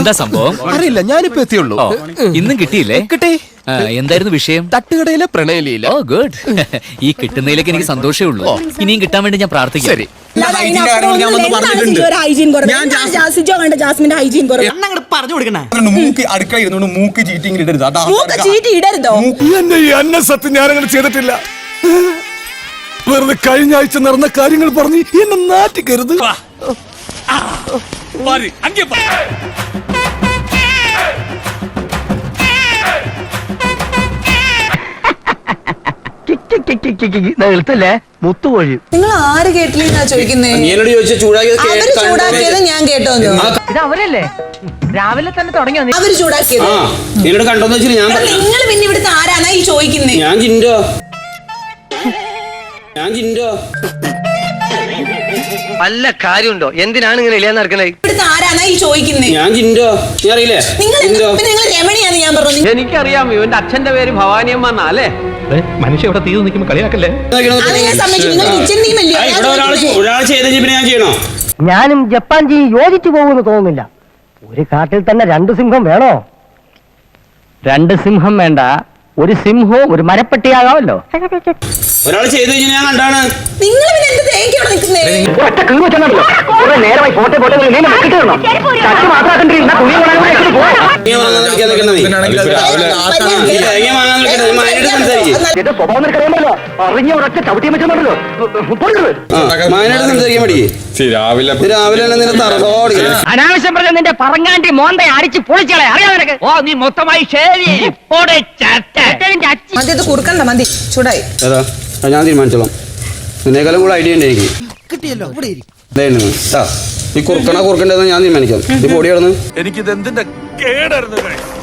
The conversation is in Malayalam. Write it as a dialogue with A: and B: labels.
A: എന്താ സംഭവം?
B: അറിയില്ല, ഞാനിപ്പോ എത്തിയുള്ളൂ.
A: ഇന്നും കിട്ടിയില്ലേ?
B: കിട്ടി.
A: എന്തായിരുന്നു വിഷയം?
B: തട്ടുകടയിലെ പ്രണയലീല.
A: ഓ ഗുഡ്. ഈ കിട്ടുന്നതിലേക്ക് എനിക്ക് സന്തോഷമേ ഉള്ളൂ. ഇനിയും കിട്ടാൻ വേണ്ടി ഞാൻ പ്രാർത്ഥിക്കാം.
B: ശരി.
C: മൂക്ക് അടുക്കള ഇരുന്നോണ്ട് മൂക്ക് ചീറ്റിംഗ് ഇടരുത്.
D: എന്റെ ഈ അന്നസത്യം ഞാനങ്ങനെ ചെയ്തിട്ടില്ല. വെറുതെ കഴിഞ്ഞ ആഴ്ച നടന്ന കാര്യങ്ങൾ പറഞ്ഞ് എന്നെ നാറ്റിക്കരുത്.
E: നിർത്തല്ലേ മുത്തുകോഴി.
F: നിങ്ങൾ ആര് കേട്ടില്ലെന്നാ ചോദിക്കുന്നേ? ചൂടാക്കിയത് ഞാൻ കേട്ടോ.
E: ഇത് അവരല്ലേ രാവിലെ തന്നെ തുടങ്ങിയോ?
F: അവര് ചൂടാക്കിയത്
C: കണ്ടോന്ന് വെച്ചാൽ
F: നിങ്ങൾ പിന്നെ ഇവിടുത്തെ ആരാന്നാ ഈ ചോദിക്കുന്നേ?
C: ഞാൻ ജിൻഡോ
E: വല്ല കാര്യമുണ്ടോ? എന്തിനാണ് ഇങ്ങനെ ഇല്ലാന്ന് നടക്കണേ?
F: ഇവിടുത്തെ ആരാന്നാ ഈ ചോദിക്കുന്നേ?
C: ഞാൻ ജിൻഡോ, നീ അറിയില്ലേ?
F: നിങ്ങൾ രമണിയാന്ന് ഞാൻ പറഞ്ഞു.
E: എനിക്കറിയാം, ഇവന്റെ അച്ഛന്റെ പേര് ഭവാനിയമ്മ അല്ലേ? മനുഷ്യ ഇവിടെ തീർന്നു നിൽക്കുമ്പോ കളിയാക്കല്ലേ?
C: ഒരാൾ ചെയ്ത പിന്നെ ഞാൻ ചെയ്യണോ?
E: ഞാനും ജപ്പാൻ ജി യോജിച്ചു പോകുമെന്ന് തോന്നുന്നില്ല. ഒരു കാട്ടിൽ തന്നെ 2 സിംഹം വേണോ? 2 സിംഹം വേണ്ട, ഒരു സിംഹവും ഒരു മരപ്പട്ടിയാകാമല്ലോ.
C: ഒരാൾ ചെയ്ത് കഴിഞ്ഞാൽ ഞാൻ കണ്ടാണ്.
F: നിങ്ങൾ പിന്നെ എന്ത് തേങ്ങയോടെ നിൽക്കുന്നേ?
E: നേരമായി പോട്ടെ പോട്ടെ അനാവശ്യം പറഞ്ഞ നിന്റെ പറങ്ങാണ്ടി മോന്തെ അടിച്ച് പൊളിച്ചളെ അറിയാതെ. ഓ നീ മൊത്തമായി
F: മതി, ഇത് കുറുക്കണ്ട, മതി, ചൂടായി.
C: ഞാൻ തീരുമാനിച്ചോളാം. നിന്നേക്കാളും കൂടെ ഐഡിയ ഉണ്ട് എനിക്ക്. ഈ കുറുക്കണ കുറുക്കണ്ടെന്ന് ഞാൻ തീരുമാനിക്കാം. ഈ പൊടി കിടന്ന്
D: എനിക്കിത് എന്തിന്റെ കേടായിരുന്നു.